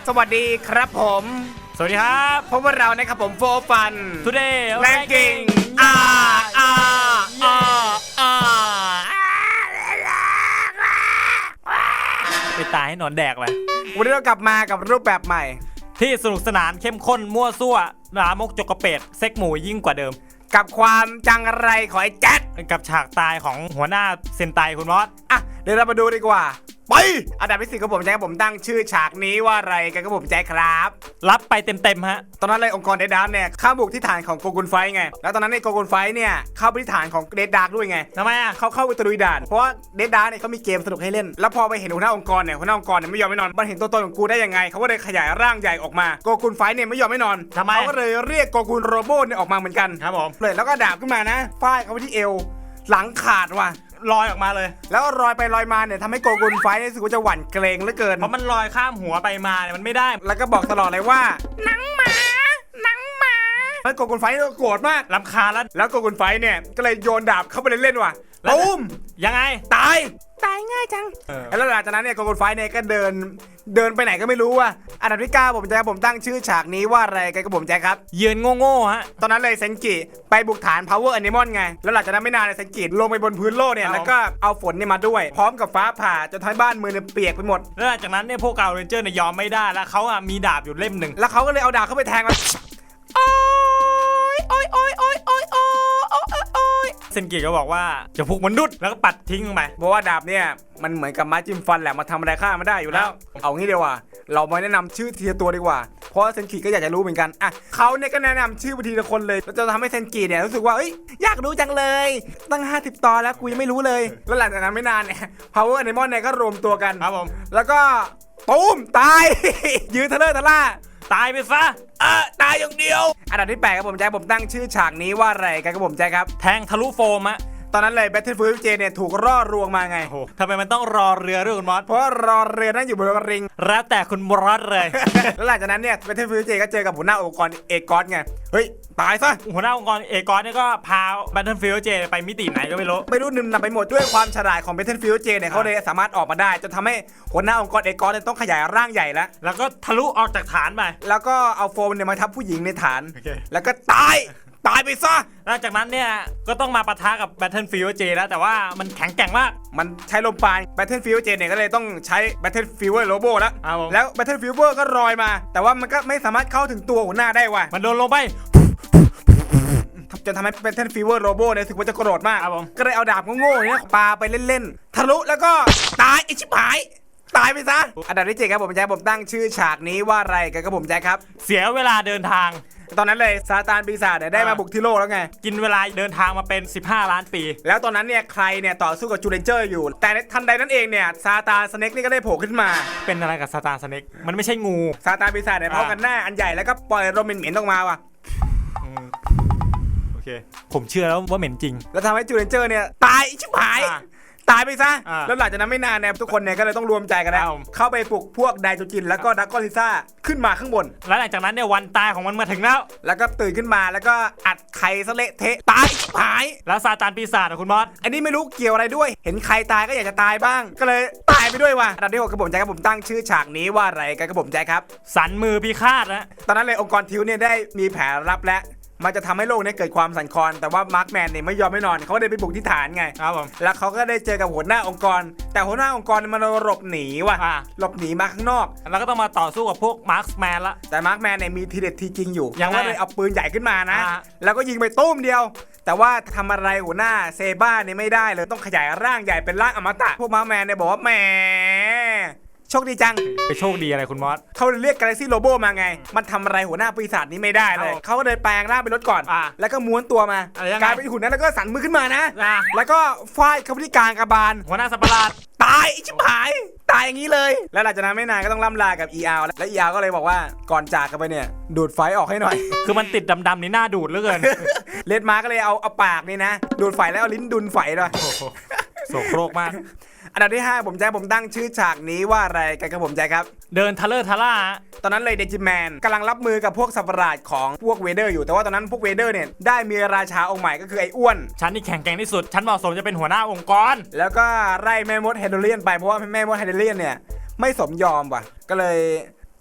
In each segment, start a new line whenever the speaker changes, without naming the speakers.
สวัสดีครับผม
สวัสดีครับ
พบกับเรานะครับผมโฟฟัน
Today
แรงกิ้ง
ไปตายให้หนอนแดกเลย
วันนี้เรากลับมากับรูปแบบใหม่
ที่สนุกสนานเข้มข้นมั่วซั่วลามกจกกระเป็ดเซ็กหมูยิ่งกว่าเดิม
กับความจังไรของไอ้แจ๊ด
กับฉากตายของหัวหน้าเซนไตคุณมอส
อ่ะเดี๋ยวเรามาดูดีกว่าไปอันดับที่4ของผมแจ๊คผมตั้งชื่อฉากนี้ว่าอะไรกันครับผมแจ๊คครับ
รับไปเต็มๆฮะ
ตอนนั้นเลยองค์กรเดดดาร์กเนี่ยเข้าบุกที่ฐานของโกกุนไฟไงแล้วตอนนั้นในโกกุนไฟเนี่ยเข้าไปที่ฐานของเดดดาร์กด้วยไง
ทำไมอ่ะ
เขาเข้าไปตะลุยด่านเพราะว่าเดดดาร์กเนี่ยเขามีเกมสนุกให้เล่นแล้วพอไปเห็นหัวหน้าองค์กรเนี่ยหัวหน้าองค์กรเนี่ยไม่ยอมไม่นอนมันเห็นตัวตนของกูได้ยังไงเขาก็เลยขยายร่างใหญ่ออกมาโกกุนไฟเนี่ยไม่ยอมไม่นอน
ทำไม
เขาก็เลยเรียกโกกุนโรโบเนี่ยออกมาเหมือนกัน
ครับผม
เลยแล้วก็ดาบขึ้นมานะฟาดเขาไปที่เอวหลังขาดว่ะ
ลอยออกมาเลย
แล้วรอยไปลอยมาเนี่ยทำให้โกกุนไฟรู้สึกว่าจะหวั่นเกรงเหลือเกิน
เพราะมันลอยข้ามหัวไปมาเนี่ยมันไม่ได้
แล้วก็บอกตลอดเลยว่าหนังหมาแล้วโกกุนไฟโกรธมาก
รำคาญ
แล้วโกกุนไฟเนี่ยก็เลยโยนดาบเข้าไปเล่นๆว่ะตูม
ยังไง
ตายง่ายจังแล้วหลังจากนั้นเนี่ยโกกุนไฟเนี่ยก็เดินไปไหนก็ไม่รู้ว่ะอันดับที่9ผมตั้งชื่อฉากนี้ว่าอะไรกันกับผมแจ๊คครับ
ยืนโง่ๆฮะ
ตอนนั้นเลยเซนกิไปบุกฐาน Power Animal ไงแล้วหลังจากนั้นไม่นานเลยเซนกิลงไปบนพื้นโลกเนี่ยแล้วก็เอาฝนเนี่ยมาด้วยพร้อมกับฟ้าผ่าจนทำให้บ้านเมืองเนี่ยเปียกไปหมด
แล้วหลังจากนั้นเนี่ยพวกกาวเรนเจอร์เนี่ยยอมไม่ได้แล้วเขาอ่ะมีดาบอยู่เล่มหนึ่ง
แล้วเขาก็เลยเอาดาบเข้าไปแทงมันโอ้ย
เซนกิก็บอกว่าจะพุกมนุษย์แล้วก็ปัดทิ้งลงไป
เพราะว่าดาบเนี่ยมันเหมือนกับไม้จิ้มฟันแหละมาทำอะไรข้าไม่ได้อยู่แล้วเอางี้เดียวว่าเรามาแนะนำชื่อทีละตัวดีกว่าเพราะเซนกิก็อยากจะรู้เหมือนกันอ่ะเขาเนี่ยก็แนะนำชื่อทีละคนเลยแล้วจะทำให้เซนกิเนี่ยรู้สึกว่าอยากรู้จังเลยตั้ง50 ตอนแล้วกูยังไม่รู้เลยแล้วหลังจากนั้นไม่นานเนี่ย Power Animal เนี่ยก็รวมตัวกัน
ครับผม
แล้วก็ตูมตาย ยืนทะเลทะล่า
ตายไปซะ
ตายอย่างเดียวอันดับที่8ครับผมแจ๊คผมตั้งชื่อฉากนี้ว่าอะไรกันครับผมแจ๊คครับ
แทงทะลุโฟมอะ
ตอนนั้นเลย Battlefield เจเนี่ยถูกร่อรวงมาไง
ทำไมมันต้องรอเรือด้วยคุณมอส
เพราะรอเรือนั่งอยู่บนริง
แล้วแต่คุณมอสเลย
แล้วหลังจากนั้นเนี่ย Battlefield เจก็เจอกับหัวหน้าองค์กรเอกอสไงเฮ้ยตายซะ
หัวหน้าองค์กรเอกอสเนี่ยก็พา Battlefield เจไปมิติไหนก็ไม่รู้
นึมนำไปหมดด้วยความฉลาดของ Battlefield เจเนี่ยเขาเลยสามารถออกมาได้จนทำให้หัวหน้าองค์กรเอกอสเนี่ยต้องขยายร่างใหญ่
แล้วก็ทะลุออกจากฐานไป
แล้วก็เอาโฟมเนี่ยมาทับผู้หญิงในฐานแล้วก็ตายไปซะ
หลังจากนั้นเนี่ยก็ต้องมาปะทะกับ Battlefield เจแล้วแต่ว่ามันแข็งแกร่งมาก
มันใช้ลมปราณ Battlefield เจเนี่ยก็เลยต้องใช้ Battlefield Robo แล้ว Battlefield ก็ลอยมาแต่ว่ามันก็ไม่สามารถเข้าถึงตัวหัวหน้าได้ว่ะ
มันโดนลงไป
จนทำให้ Battlefield Robo เนี่ยรู้สึกว่าจะโกรธมากก็เลยเอาดาบโง่ๆเนี่ยปาไปเล่นๆทะลุแล้วก็ตายไอ้ชิบหายตายไปซะอันดับที่7ครับผมแจ๊คผมตั้งชื่อฉากนี้ว่าอะไรกันครับผมแจ๊คครับ
เสียเวลาเดินทาง
ตอนนั้นเลยซาตานปีศาจเนี่ยได้มาบุกที่โลกแล้วไง
กินเวลาเดินทางมาเป็น15 ล้านปี
แล้วตอนนั้นเนี่ยใครเนี่ยต่อสู้กับจูเลนเจอร์อยู่แต่ทันใดนั้นเองเนี่ยซาตานสเน็กนี่ก็ได้โผล่ขึ้นมา
เป็นอะไรกับซาตานสเน็กมันไม่ใช่งู
ซาตานปีศาจเนี่ยพร้อมกันหน้าอันใหญ่แล้วก็ปล่อยลมเหม็นๆออกมาว่ะ
โอเคผมเชื่อแล้วว่าเหม็นจริง
แล้วทำให้จูเลนเจอร์เนี่ยตายชิบหายตายไปซะแล้วหลังจากนั้นไม่นานเนี่ยทุกคนเนี่ยก็เลยต้องรวมใจกันแล้วเข้าไปปลุกพวกไดโจจินแล้วก็ดักกอลิซ่าขึ้นมาข้างบน
แล้วหลังจากนั้นเนี่ยวันตายของมันมาถึง
แล้วก็ตื่นขึ้นมาแล้วก็อัดไข่ซะเละเทะตายชิบหาย
แล้วซาตานปีศาจคุณมอส
อันนี้ไม่รู้เกี่ยวอะไรด้วยเห็นใครตายก็อยากจะตายบ้างก็เลยตายไปด้วยว่ะอันดับที่6กระผมแจ๊คครับผมตั้งชื่อฉากนี้ว่าอะไรกันกระผมแจ๊คครับ
สันมือพิฆาตนะ
ตอนนั้นเลยองค์กรทิวเนี่ยได้มีแผนรับและมันจะทำให้โลกนี้เกิดความสั่นคลอนแต่ว่ามาร์คแมนเนี่ยไม่ยอมไม่นอนเขาได้ไปบุกที่ฐานไง
ครับผม
แล้วเขาก็ได้เจอกับหัวหน้าองค์กรแต่หัวหน้าองค์กรมันหลบหนีว่ะหลบหนีมาข้างนอก
แล้วก็ต้องมาต่อสู้กับพวกมาร์คแมนละ
แต่มาร์คแมนเนี่ยมีทีเด็ดทีจริงอยู่
ยัง
เลยเอาปืนใหญ่ขึ้นมานะแล้วก็ยิงไปตุ้มเดียวแต่ว่าทำอะไรหัวหน้าเซบ้าเนี่ยไม่ได้เลยต้องขยายร่างใหญ่เป็นร่างอมตะพวกมาร์คแมนเนี่ยบอกว่าแหมโชคดีจัง
ไปโชคดีอะไรคุณมอส
เขาเรียกกาแล็กซี่โรโบมาไงมันทำอะไรหัวหน้าปีศาจนี้ไม่ได้เลยเขาก็เลยแปลงร่างเป็นรถก่อนแล้วก็ม้วนตัวมากลายเป็นหุ่นนั้นแล้วก็สั่นมือขึ้นมานะแล้วก็ฟาดเข้าที่กลางกระบาล
หัวหน้าสัตว์ประหลาด
ตายชิบหายตายอย่างนี้เลยแล้วหลังจากนั้นไม่นานก็ต้องล่ำลากับ ER แล้ว ER ก็เลยบอกว่าก่อนจากกันไปเนี่ยดูดไฟออกให้หน่อย
คือมันติดดำๆนี่หน้าดูดเหลือเกิน
เลดมาก็เลยเอาปากนี่นะดูดไฟแล้วเอาลิ้นดุนไฟด้วย
โสโครกมาก
อันดับที่5ผมตั้งชื่อฉากนี้ว่าอะไรกันครับผมครับ
เดินทะเลทะล่า
ตอนนั้นเลยเดจิแมนกำลังรับมือกับพวกสัตว์ประหลาดของพวกเวเดอร์อยู่แต่ว่าตอนนั้นพวกเวเดอร์เนี่ยได้มีราชาองค์ใหม่ก็คือไอ้อ้วน
ฉันนี่แข็งแกร่งที่สุดฉันเหมาะสมจะเป็นหัวหน้าองค์กร
แล้วก็ไล่แม่มดเฮโดเลียนไปเพราะว่าแม่มดเฮโดเลียนเนี่ยไม่สมยอมว่ะก็เลย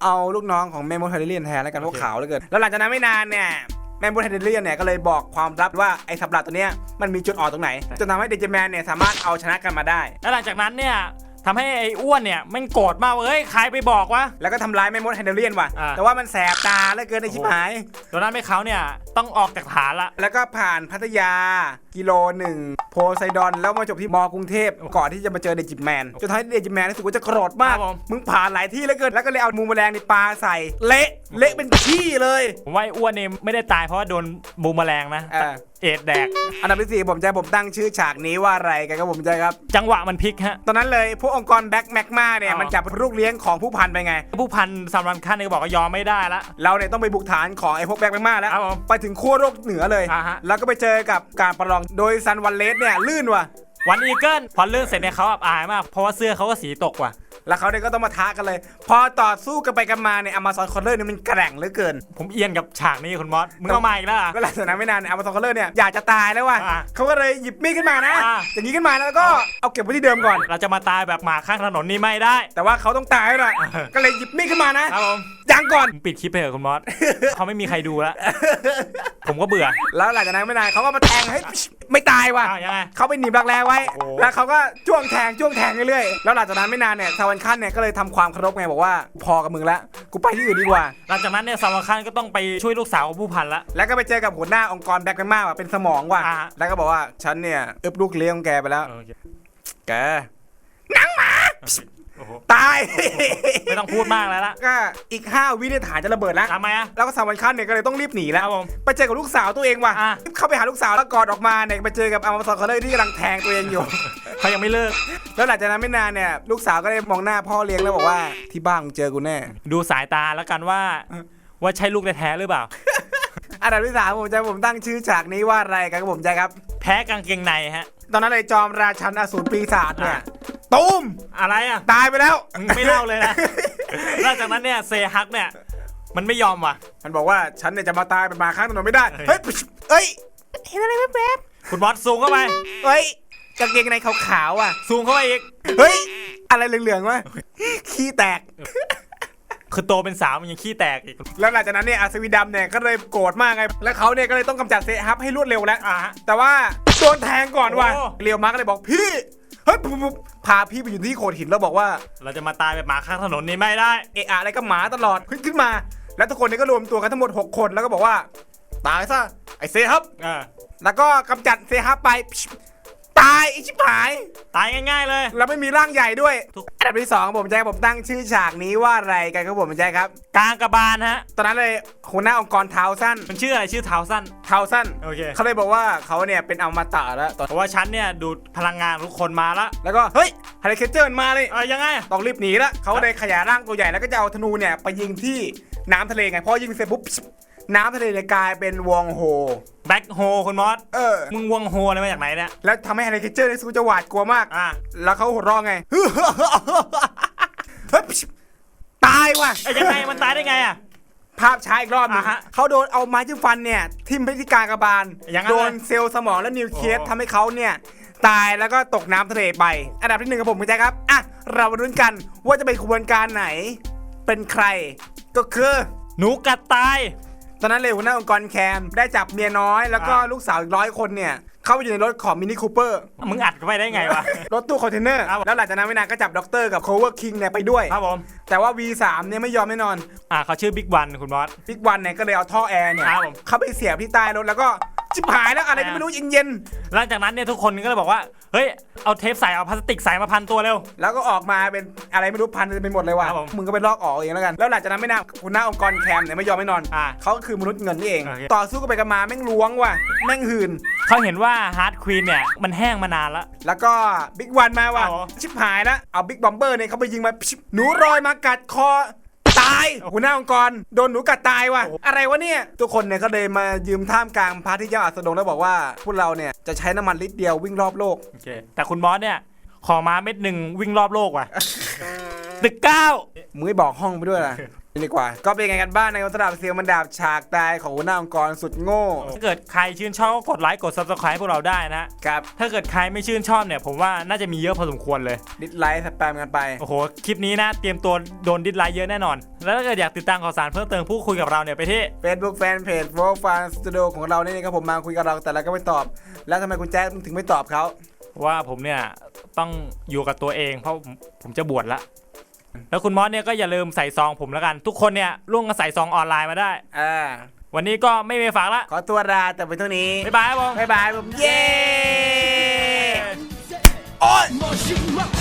เอาลูกน้องของแมมโมเทเดเลียนแทนแล้วกันพวกขาวเหลือเกินแล้วหลังจากนั้นไม่นานเนี่ยแมมโมเทเดเลียนเนี่ยก็เลยบอกความลับว่าไอ้สัตว์ประหลาดตัวเนี้ยมันมีจุดอ่อนตรงไหนจนทำให้เดจิแมนเนี่ยสามารถเอาชนะกันมาได้
แล้วหลังจากนั้นเนี่ยทำให้ไอ้อ้วนเนี่ยแม่งโกรธมากว่าเฮ้ยใครไปบอกวะ
แล้วก็ทำร้ายแมมโมเทเดเลียนว่ะ
อ่า
แต่ว่ามันแสบตาเหลือเกินไอ้ชิบหาย
จนนั้นให้เขาเนี่ยต้องออกจากฐานละ
แล้วก็ผ่านพัทยากิโลหนึ่งโพไซดอนแล้วมาจบที่มกรุงเทพก่อนที่จะมาเจอเดจิแมนจนท้ายเดจิแมนรู้สึกว่าจะโกรธมากมึงผ่านหลายที่เหลือเกินแล้วก็เลยเอามูมแมลงในปลาใส่เละเป็นขี้เลย
ผมว่าไอ้อ้วนนี่ไม่ได้ตายเพราะว่าโดนบูมแมลงนะเอ็ดแดก
อันดับที่4ผมตั้งชื่อฉากนี้ว่าอะไรกันครับผมใจครับ
จังหวะมันพลิกฮะ
ตอนนั้นเลยพวกองค์กรแบ็คแมกมาเนี่ยมันจับลูกเลี้ยงของผู้พันไปไง
ผู้พันสำรันขั้นนี่ก็บอกว่ายอมไม่ได้ละ
เราเนี่ยต้องไปบุกฐานของไอ้พวกแบ็คแมกมาแล้ว
ครับผม
ไปถึงขั้วโลกเหนือเลย
ฮะ
แล้วก็ไปเจอกับการประลองโดยซันวันเลสเนี่ยลื่นว่ะ
วันอีเกิลพอเรื่องเสร็จเนี่ยเขาอับอายมากเพราะว่าเสื้อเขาก็สีตกว่ะ
แล้วเขาเนี่ยก็ต้องมาท้ากันเลย พอต่อสู้กันไปกันมาเนี่ยอเมซอนคอลเลอร์เนี่ยมันแกร่งเหลือเกิน
ผมเอียนกับฉากนี้คุณมอสมึงเอามาอีกแล้วเหรอ
ก็หลังจากนั้นไม่นานอเมซอนคอลเลอร์เนี่ยอยากจะตายแล้วว่ะ
อ่า
เขาก็เลยหยิบมีดขึ้นมานะ
อ่า
อย่างนี้ขึ้นมาแล้วก็เอาเก็บไว้ที่เดิมก่อน
เราจะมาตายแบบหมาข้างถนนนี่ไม่ได้
แต่ว่าเขาต้องตายแล้วนะก็เลยหยิบมีดขึ้นมานะครับ
ผม
ยังก่อน
ผมปิดคลิปไปเถอะคุณมอส เขาไม่มีใครดูแล้ว ผมก็เบื่อ
แล้วหลังจากนั้นไม่นานเขาก็มาแทงให้ไม่ตายว่ะ
อ้าวยังไง
เขาไปหนีบรักแร้ไว้
โอ้
แล้วเขาก็จ้วงแทงเรื่อยๆแล้วหลังจากนั้นไม่นานเนี่ยซาวันคันเนี่ยก็เลยทำความเคารพไงบอกว่าพอกับมึงแล้วกูไปที่อื่นดีกว่า
หลังจากนั้นเนี่ยสำรันขั้นก็ต้องไปช่วยลูกสาวของผู้พันละ
แล้วก็ไปเจอกับหัวหน้าองค์กรแบ็คแมนมาว่ะเป็นสมองว่ะ
อ่า
แล้วก็บอกว่าฉันเนี่ยอึบลูกเลี้ยงของแกไปแล้ว
โอเค
แกหนังหมา
โอ้โห
ตาย
ไม่ต้องพูดมากแล้วละ
ก็อีก5 วินาทีฐานจะระเบิดแล้ว
ทำไมอะ
แล้วก็ซาวันคันเนี่ยก็เลยต้องรีบหนี
ค
แล้
รั
ว
บผม
ไปเจอกับลูกสาวตัวเองว่ะ
อ่ะ
เข้าไปหาลูกสาวแล้วกอดออกมาเนี่ยไปเจอกับอเมซอนคอลเลอร์ที่กำลังแทงตัวเองอยู่
เขายังไม่เลิก
แล้วหลังจากนั้นไม่นานเนี่ยลูกสาวก็ได้มองหน้าพ่อเลี้ยงแล้วบอกว่าที่บ้านมึงเจอกูแน่
ดูสายตาแล้วกันว่าใช่ลูกแท้ๆหรือเปล่า
อันดับที่3ผมตั้งชื่อฉากนี้ว่าอะไรกันครับผมใจครับ
แพ้กางเกงในฮะ
ตอนนั้นเลยจอมราชันอสูรปีศาจเนี่ยตูม
อะไรอ่ะ
ตายไปแล้ว
ไม่เล่าเลยนะ หลังจากนั้นเนี่ยเซฮักเนี่ยมันไม่ยอมว่ะ
มันบอกว่าฉันเนี่ยจะมาตายเป็นหมาข้างถนนไม่ได้เฮ้ยเอ้ยเห็นอะไรแป๊บ
คุณบอสซูมเข้าไป
ๆเฮ้ยกางเกงในขาวๆอ่ะ
ซูมเข้าไปอีก
เฮ้ยอะไรเหลืองๆวะขี้แตก
คือโตเป็นสาวมันยังขี้แตกอีก
แล้วหลังจากนั้นเนี่ยอัศวินดำเนี่ยก็เลยโกรธมากไงแล้วเขาเนี่ยก็เลยต้องกำจัดเซฮับให้รวดเร็วแล้ว
ฮะ
แต่ว่าโดนแทงก่อนว่ะ
โอ้
เรียวมาร์กเลยบอกพี่เฮ้ยปุ๊บพาพี่ไปอยู่ที่โขดหินแล้วบอกว่า
เราจะมาตายแบบหมาข้างถนนนี่ไม่ได้
เอะอะอะไรก็หมาตลอดขึ้นมา แล้วทุกคนเนี่ยก็รวมตัวกันทั้งหมด6 คนแล้วก็บอกว่าตายซะไอเซฮับแล้วก็กำจัดเซฮับไปตายไอชิบหาย
ตายง่ายๆเลย
แล้วไม่มีร่างใหญ่ด้วย
ทุก
อันดับที่2ผมตั้งชื่อฉากนี้ว่าอะไรกันครับผมใจครับ
กลางกระบาลฮะ
ตอนนั้นเลยหัวหน้าองค์กรเท้าสั้น
มันชื่ออะไรชื่อเท้าสั้น
โอเค
เขา
เขาเลยบอกว่าเขาเนี่ยเป็นอมตะแล้วตอน
เพราะว่าฉันเนี่ยดูดพลังงานทุกคนมาละ
แล้วก็เฮ้ยฮาริเคเจอร์มันมาเลย
ยังไง
ต้องรีบหนีละเขาเลยขยายร่างตัวใหญ่แล้วก็จะเอาธนูเนี่ยไปยิงที่น้ำทะเลไงพอยิงเสร็จปุ๊บน้ำทะเลเนี่ยกลายเป็นวงโฮ
แบ็คโฮคุณมอส มึงวงโฮอะไรมาจากไหนเนี่ย
แล้วทำให้ฮาริเคเจอร์ในสู้จะหวาดกลัวมาก แล้วเขาหัวเราะไง เฮ้ยตายว่ะ
ยังไงมันตายได้ไงอ่ะ
ภาพช้าอีกรอบหนึง
ฮะ
เขาโดนเอาไม้จิ้มฟันเนี่ยทิ่มไปที่กลางกระบาล
อย่างนั้น
โด
เลย
นเซลล์สมองและนิวเคลียส
โอ้
ทำให้เขาเนี่ยตายแล้วก็ตกน้ำทะเลไป อันดับที่1ครับผมคุณแจ๊คครับอ่ะเรามาลุ้นกันว่าจะเป็นขบวนการไหนเป็นใคร ก็คือ
หนูกัดตาย
ตอนนั้นเลยหัวหน้าองค์กรแคมได้จับเมียน้อยแล้วก็ลูกสาวอีก100 คนเนี่ยเข้าไปอยู่ในรถของมินิคูเปอร์
มึงอัดเข้าไปได้ไงวะ
รถตู้คอนเทนเนอร์
ครับ
แล้วหลังจากนั้นไม่นานก็จับด็อกเตอร์กับโคเวอร์คิงเนี่ยไปด้วย
ครับผม
แต่ว่า V3 เนี่ยไม่ยอมแน่นอน
เขาชื่อบิ๊กวันคุณมอส
บิ๊กวันเนี่ยก็เลยเอาท่อแอร์เนี่ย
ครับผม
เข้าไปเสียบที่ใต้รถแล้วก็ชิบหายแล้วอะไรก็ไม่รู้เย็น
หลังจากนั้นเนี่ยทุกคนก็เลยบอกว่าเฮ้ยเอาเทปใส่เอาพลาสติกใส่มาพันตัวเร็ว
ๆแล้วก็ออกมาเป็นอะไรไม่รู้พันไปหมดเลยว่ะ
ครับผม
มึงก็ไปลอกออกเองแล้วกันแล้วหลังจากนั้นไม่นานหัวหน้าองค์กรแคมเนี่ยไม่ยอมไม่นอน เขาก็คือมนุษย์เงินนี่เอง
โอเค
ต่อสู้กันไปกันมาแม่งล้วงว่ะแม่งหืน
เขาเห็นว่าฮาร์ดควีนเนี่ยมันแห้งมานานแล้ว
แล้วก็บิ๊กวันมาว่ะ
อ๋อ
ชิบหายแล้วเอาบิ๊กบอมเบอร์เนี่ยเขาไปยิงมาชิบหนูรอยมากัดคอตายหัวหน้าองค์กรโดนหนูกัดตายว่ะอะไรวะเนี่ยทุกคนเนี่ยก็เลยมายืมท่ามกลางพระที่เจ้าอัสดงแล้วบอกว่าพวกเราเนี่ยจะใช้น้ำมันลิตรเดียววิ่งรอบโลก
โอเคแต่คุณมอสเนี่ยขอมาเม็ดหนึ่งวิ่งรอบโลกว่ะ ตึก 9
มึงไม่บอกห้องไปด้วยล่ะดีกว่าก็เป็นไงกันบ้างในสำหรับเสียงมันดาบฉากตายของหัวหน้าองค์กรสุดโง่
ถ้าเกิดใครชื่นชอบก็กดไลค์กด Subscribe พวกเราได้นะครับ ถ้าเกิดใครไม่ชื่นชอบเนี่ยผมว่าน่าจะมีเยอะพอสมควรเลย
ดิสไลค์สแปมกันไป
โอ้โหคลิปนี้นะเตรียมตัวโดนดิสไลค์เยอะแน่นอน แล้วถ้าเกิดอยากติดตามข่าวสารเพิ่มเติมพูดคุยกับเราเนี่ยไปที่
Facebook Fanpage v o g u e Fan Studio ของเรานี่ครับผมมาคุยกับเราแต่เราก็ไม่ตอบ แล้วทำไมคุณแจ๊คถึงไม่ตอบเขา
ว่าผมเนี่ยต้องอยู่กับตัวเองเพราะผมจะบวชละแล้วคุณมอสเนี่ยก็อย่าลืมใส่ซองผมแล้วกัน ทุกคนเนี่ยร่วมกันใส่ซองออนไลน์มาได้ วันนี้ก็ไม่มีฝากละ
ขอตัวลาแต่ไปเท่านี้
บ๊ายบายครับผม
บ๊ายบายผมเย้
โอ๊ย